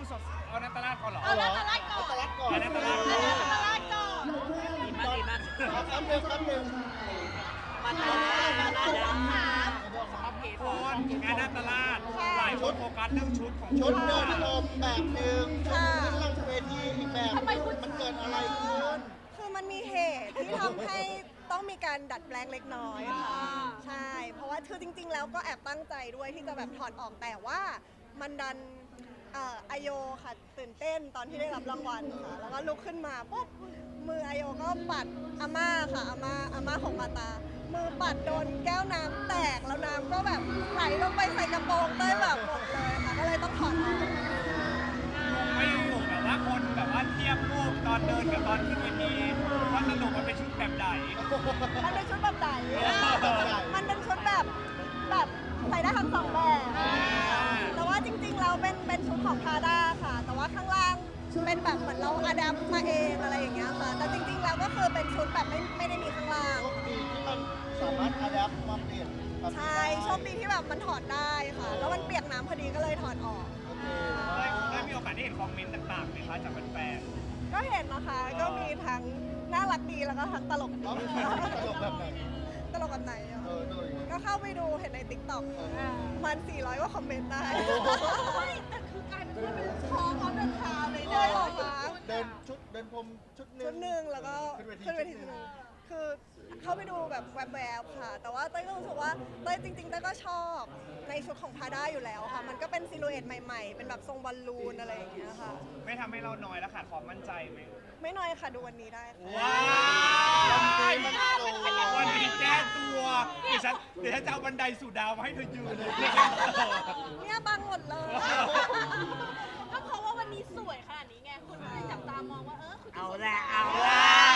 สดเอานัตตลาดก่อนเหรอเอานัตตลาดก่อนตลาดก่อนเอานัตตลาดเอานัตตลาดก่อนดีมากแป๊บนึงมาตามาตาดำคนงานนัตตลาดหลายคนโฟกัสเรื่องชุดของชุดเดินพรมแบบหนึ่งชุดค่ะขึ้นลงเวทีอีกแบบมันเกิดอะไรขึ้นคือมันมีเหตุที่ทำให้ต้องมีการดัดแปลงเล็กน้อยค่ะใช่ เพราะว่าคือจริง ๆ แล้วก็แอบตั้งใจด้วยที่จะแบบถอดออกแต่ว่ามันดันอโยค่ะตื่นเต้นตอนที่ได้รับรางวัลค่ะแล้วก็ลุกขึ้นมาปุ๊บมืออโยก็ปัดอาม่าค่ะอาม่าของมาตา มือปัดโดนแก้วน้ำแตกแล้วน้ำก็แบบไหลลงไปใส่กระโปรงเต้ยแบบหมดเลยค่ะก็เลยต้องถอดออกไม่อยู่แบบว่าคนแบบว่าเทียบรูปตอนเดินกับตอนขึ้นเวทีว่าสรุปมันเป็นชุดแบบไหนมันเป็นชุดแบบไหนมันเป็นชุดแบบใส่ได้ทั้งสองแบบ แต่ว่าจริงๆเราเป็นชุดของพาด้าค่ะ แต่ว่าข้างล่างเป็นแบบเหมือนเราอะแดปมาเองอะไรอย่างเงี้ยค่ะ แต่จริงๆแล้วก็คือเป็นชุดแบบไม่ได้มีข้างล่างโชคดีที่มันสามารถอะแดปมาเปลี่ยนแบบนี้ใช่โชคดีที่แบบมันถอดได้ค่ะ แล้วมันเปียกน้ำพอดีก็เลยถอดออกโอเคได้มีโอกาสได้เห็นคอมเมนต์ต่างๆไหมคะจากแฟนก็เห็นนะคะ ก็มีทั้งน่ารักดีแล้วก็ทั้งตลกดีแล้วมันตลกแบบไหนตลกแบบไหนอะโดยก็เข้าไปดูเห็นในติ๊กต็อกมัน400กว่าคอมเมนต์ได้แต่คือกลายเป็นว่าเป็นคอพร้อมเดินทางเลยได้เหรอคะเดินพรมชุดหนึ่ชุงดหนึ่งแล้วก็ขึ้นเวทีชุดหนึ่งคือเข้าไปดูแบบแวบๆค่ะ แต่ว่าเต้ยก็รู้สึกว่าเต้ยจริงๆเต้ยก็ชอบในชุดของพาด้าอยู่แล้วค่ะ มันก็เป็นซิลูเอตใหม่ๆ เป็นแบบทรงบอลลูนอะไรอย่างเงี้ยค่ะๆไม่ทำให้เราน้อยแล้วขาดความมั่นใจไหมไม่น้อยค่ะดูวันนี้ได้ค่ะว้าววันนี้แก้ตัวเดี๋ยวฉันจะเอาบันไดสู่ดาวมาให้เธอยืนเลยเนี่ยบังหมดเลยก็เพราะว่าวันนี้สวยขนาดนี้ไงคนก็เลยจับตามองว่าคุณเอาละเอาละ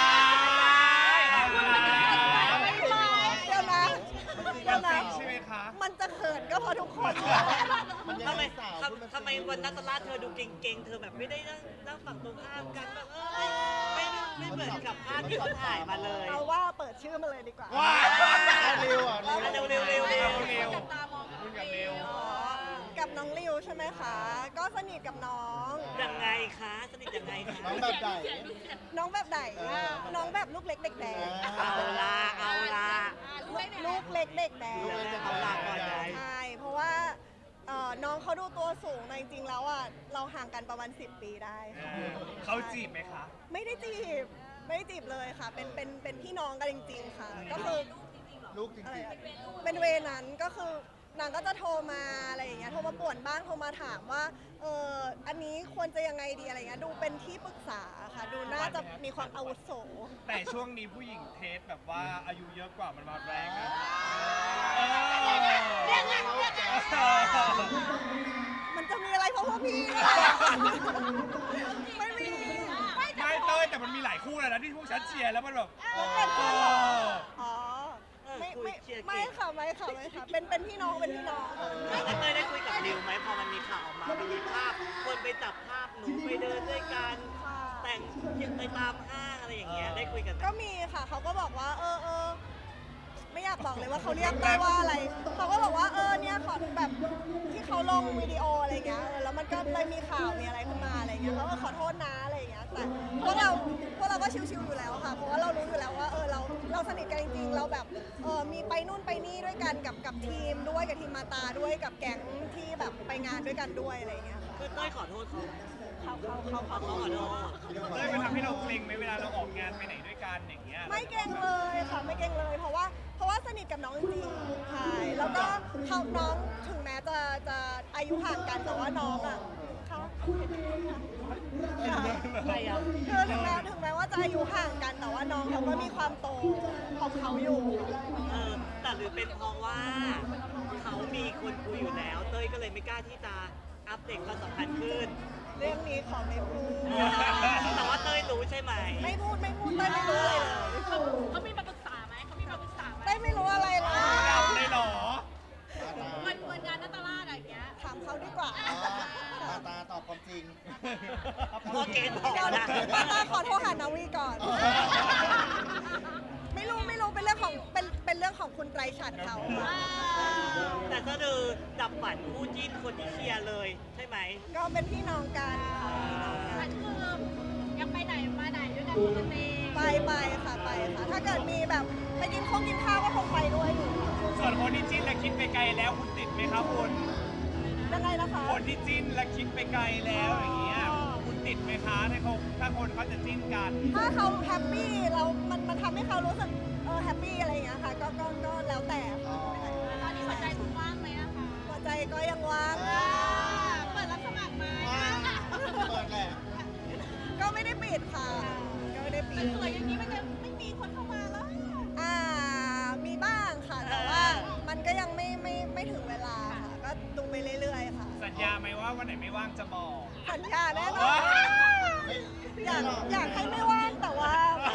เดี๋ยวนะเดี๋ยวนะใช่ไหมคะมันจะเขินก็เพราะทุกคนมันยังทำไมไงสาวพูดาสิทำไมวันนัตลาดเธอดูเก่งๆ เธอแบบไม่ได้นั่งฝั่งตรงข้ามกันแบบไม่เหมือนกับภาพที่เขาถ่ายมาเลยเอาว่าเปิดชื่อมาเลยดีกว่าว้าวเร็วอ่ะเร็วจับตามองคุณกับเร็วกับน้องริวใช่ไหมคะ ก็สนิทกับน้องยังไงคะสนิทยังไงคะน้องแบบไหนน้องแบบไหน น้องแบบลูกเล็กเด็กแดงเอาละเอาละลูกเล็กเด็กแดงเอาละก่อนเลยใช่ เพราะว่าน้องเขาดูตัวสูงแต่จริงๆแล้วอ่ะเราห่างกันประมาณ10 ปีได้ค่ะเขาจีบไหมคะไม่ได้จีบ ไม่ได้จีบเลยค่ะ เป็นพี่น้องกันจริง ๆ ค่ะ ก็คือลูกจอะไรริงอะเป็นเวนั้นก็คือนางก็จะโทรมาอะไรอย่างเงี้ย โทรมาป่วนบ้าง โทรมาถามว่า อันนี้ควรจะยังไงดีอะไรเงี้ย ดูเป็นที่ปรึกษาค่ะ ดูน่าจะมีความอาวุโสแต่ช่วงนี้ผู้หญิงเทสแบบว่าอายุเยอะกว่ามันมาแรงนะมันจะมีอะไรเพราะพวกพี่เนี่ยไม่มีไม่เต้ยแต่มันมีหลายคู่แล้วนะที่พวกฉันเชียร์แล้วมันแบบมันเป็นพี่น้องอ๋อ ไม่คุยไม่เชียร์ไม่เก่งค่ะไม่ค่ะไม่ค่ะ เป็นพี่น้อง เป็นพี่น้องแล้วเตยได้คุยกับดิวไหมพอมันมีข่าวออกมามีภาพคนไปจับภาพหนูไปเดินด้วยกันค่ะแต่งไปตามห้างอะไรอย่างเงี้ยได้คุยกันไหมก็มีค่ะ เขาก็บอกว่า ไม่อยากบอกเลยว่าเขาเรียกได้ว่าอะไร เขาก็บอกว่า เนี่ยขอแบบที่เขาลงวิดีโออะไรเงี้ย แล้วมันก็เลยมีข่าวมีอะไรขึ้นมาอะไรเงี้ยเขาก็ขอโทษนะอะไรเงี้ย แต่พวกเราก็ชิวๆอยู่แล้วค่ะ เพราะว่าเรารู้อยู่แล้วว่า เราสนิทกันจริงๆ เราแบบ มีไปนู่นไปนี่ด้วยกันกับทีมด้วยกับทีมมาตาด้วยกับแก๊งที่แบบไปงานด้วยกันด้วยอะไรเงี้ยค่ะคือเต้ยขอโทษเขาเขาเขาขอโทษเต้ยมันทำให้เราเกรงไหมเวลาเราออกงานไปไหนด้วยกันอย่างเงี้ยไม่เก่งเลยค่ะไม่เก่งเลย เพราะว่าสนิทกับน้องจริงๆใช่แล้วก็เขาน้องถึงแม้จะอายุห่างกันแต่ว่าน้องอ่ะเขาคือถึงแม้ว่าจะอายุห่างกันแต่ว่าน้องเขาก็มีความโตของเขาอยู่แต่หรือเป็นเพราะว่าเขามีคนคุยอยู่แล้ว เต้ยก็เลยไม่กล้าที่จะอัปเดตความสัมพันธ์ขึ้นเรื่องนี้ขอไม่พูดแต่ว่าเต้ยรู้ใช่ไหมไม่พูดเต้ยไม่รู้อะไรเลยเขามีมาปรึกษาไหมเขามีมาปรึกษาไหมเต้ยไม่รู้อะไรเลยดับเลยเหรอวันงานนัตตลาดอะไรอย่างเงี้ยถามเขาดีกว่าตาตอบความจริงพอเกณฑ์บอกเดี๋ยวนะขอโทรหานาวีก่อน ไม่รู้เป็นเรื่องของเป็นเป็นเรื่องของคุณไตรฉัตรเขาค่ะแต่ก็คือดับฝันคู่จิ้นคนที่เชียร์เลยใช่ไหมก็เป็นพี่น้องกันค่ะพี่น้องกัอันนคือยังไปไหนมาไหนด้วยกันปกติไปค่ะไปค่ะ ถ้าเกิดมีแบบไปกินข้าวก็คงไปด้วยอยู่ส่วนคนที่จิ้นและคิดไปไกลแล้วคุณติดไหมครับคุณยังไงนะคะคนที่จิ้นและคิดไปไกลแล้วอย่างเงี้ยคุณติดไหมคะถ้าคนเขาจะจิ้นกันถ้าเขาแฮปปี้เรามันทำให้เขารู้สึกแฮปปี้อะไรอย่างเงี้ยค่ะ ก็แล้วแต่ค่ะตอนนี้หัวใจคุณว่างไหมนะคะหัวใจก็ยังว่างเปิดรับสมัครไหมเปิดแหละก็ไม่ได้ปิดค่ะ ก็ไม่ได้ปิดสวยอย่างนี้มันจะไม่มีคนเข้ามาแล้วมีบ้างค่ะ แต่ว่ามันก็ยังไม่ถึงเวลาค่ะ ก็ดูไปเรื่อยๆค่ะสัญญาไหมว่าวันไหนไม่ว่างจะบอกสัญญาแน่นอว้านอยากให้ไม่ว่างแต่ว่า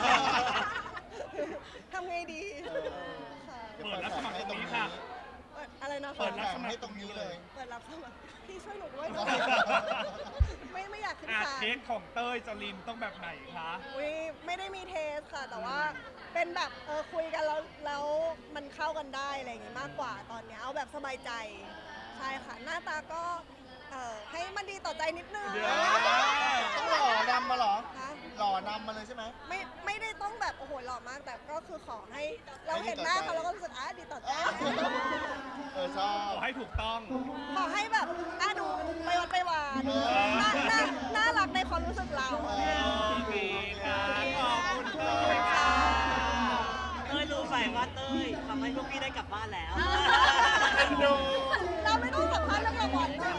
ทำไงดีค่ะเปิดรับสมัครให้ตรงนี้อะไรนะคะเปิดรับสมัครให้ตรงนี้เลยเปิดรับสมัครพี่ช่วยหนูด้วย ไม่อยากขึ้นอาศาลเทสของเต้ยจรินต้องแบบไหนคะอุ๊ยไม่ได้มีเทสค่ะ แต่ว่าเป็นแบบคุยกันแล้วมันเข้ากันได้อะไรอย่างงี้มากกว่าตอนเนี้ยเอาแบบสบายใจใช่ค่ะ หน้าตาก็ให้มันดีต่อใจนิดนึงเดี๋ยวต้องหล่อนำมาเหรอนะหล่อนำมาเลยใช่ไหมไม่ได้ต้องแบบโอ้โหหล่อมากแต่ก็คือขอให้เราเห็นหน้าเขาแล้วก็รู้สึกดีต่อใจชอบขอให้ถูกต้องขอให้แบบดูไปวัดไปวานน่ารักในความรู้สึกเราดีค่ะขอบคุณเต้ยค่ะเต้ยรู้ไหมว่าเต้ยทำให้พวกพี่ได้กลับบ้านแล้วดูเราไม่ต้องสัมภาษณ์เรื่องละครนะ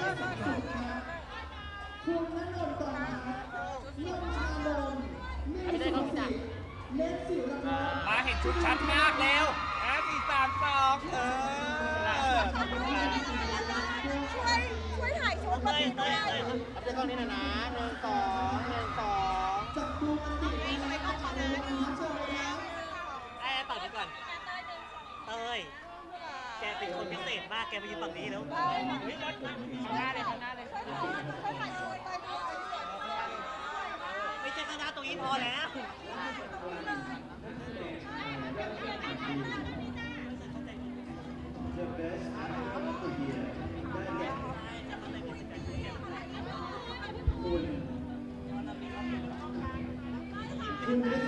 มาเห็นชุดชัดมากเร็ว4 3 2 ช่วยถ่ายชุดมาดีด้วยอัปเดตกล้องนี้หน่อยนะ1 2 1 2 ไอ้ต่อไปก่อนเต้ยแกเป็นคนพิเศษมากแกไปยืนฝั่งนี้แล้วเฮ้ยรถข้างหน้าเลยข้างหน้าเลยช่วยถ่ายชุดไปด้วยไม่ใช่ข้างหน้าตรงนี้พอแล้วคุณได้